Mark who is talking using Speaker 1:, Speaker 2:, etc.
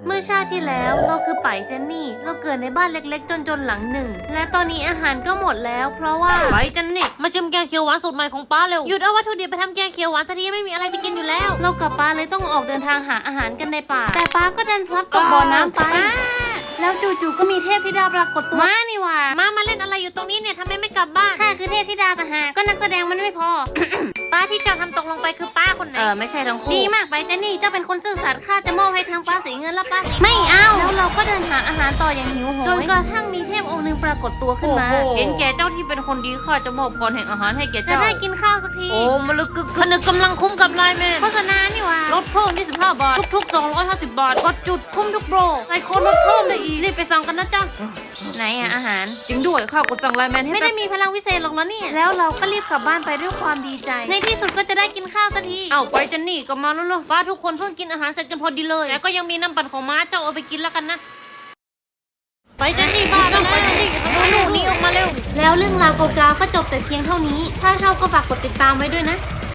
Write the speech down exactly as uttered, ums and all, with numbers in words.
Speaker 1: เมื่อชาติที่แล้วเราคือไปเจนนี่เราเกิดในบ้านเล็กๆจนๆหลังหนึ่งและตอนนี้อาหารก็หมดแล้วเพราะว่าไปเจนนี่มาชิมแกงเขียวหวานสูตรใหม่ของป้าเร็วหยุดเอาวัตถุดิบไปทำแกงเขียวหวานซะทีไม่มีอะไรจะกินอยู่แล้วเรากับป้าเลยต้องออกเดินทางหาอาหารกันในป่าแต่ป้าก็ดันพลัดตกบ่อน้ำไปแล้วจู่ๆก็มีเทพธิดาปรากฏตัวมานี่ว่ามามาเล่นอะไรอยู่ตรงนี้เนี่ยทำไมไม่กลับบ้านข้าคือเทพธิดาต่างหากก็นักแสดงมันไม่พอ ป้าที่เจ้าทำตกลงไปคือป้าคนไหนเออไม่ใช่ทั้งคู่ดีมากไปเจนนี่เจ้าเป็นคนซื่อสัตย์ข้าจะมอบให้ทางป้าสีเงินแล้วป้าไม่เอาแล้วเราก็เดินหาอาหารต่ออย่างหิวโหยจนกระทั่งมีเทพองค์หนึ่งปรากฏตัวขึ้นมาเห็นแก่เจ้าที่เป็นคนดีข้าจะมอบพรแห่งอาหารให้แก่เจ้าจะได้กินข้าวสักทีโอ้มลึกกึกผนึกกำลังคุ้มกับไลน์แมนโฆษณานี่ว่าลดเพิ่มยี่สิบห้าบาททุกๆสองร้อยห้าสิบบาทกดจุดคุ้มทุกโปรไอโคนลดเพิ่มได้อีกรีบไปสั่งกันนะจ๊ะไหนอะอาหารจริงด้วยข้าวกดสั่งไลน์แมนให้ไม่ได้มีพลังวิเศษหรอกนะเนี่ยแล้วเราก็รีบกลับบ้านไปด้วยความดีใจในที่สุดก็จะได้กินข้าวสักทีเอาไปเจนนี่กลับมาแล้วๆป้าทุกคนเพิ่งกินอาหารเสร็จกันพอดีเลยแต่ก็ยังมีน้ำปั่นของม้าเจ้าเอาไปกินแล้วกันนะไปเจนนี่บ้าแล้วไปเจนนี่เอาลูกนี้ออกมาเร็วแล้วเรื่องราวเก่าๆก็จบแต่เพียงเท่านี้ถ้าชอบก็ฝากกดติดตามไว้ด้วยนะ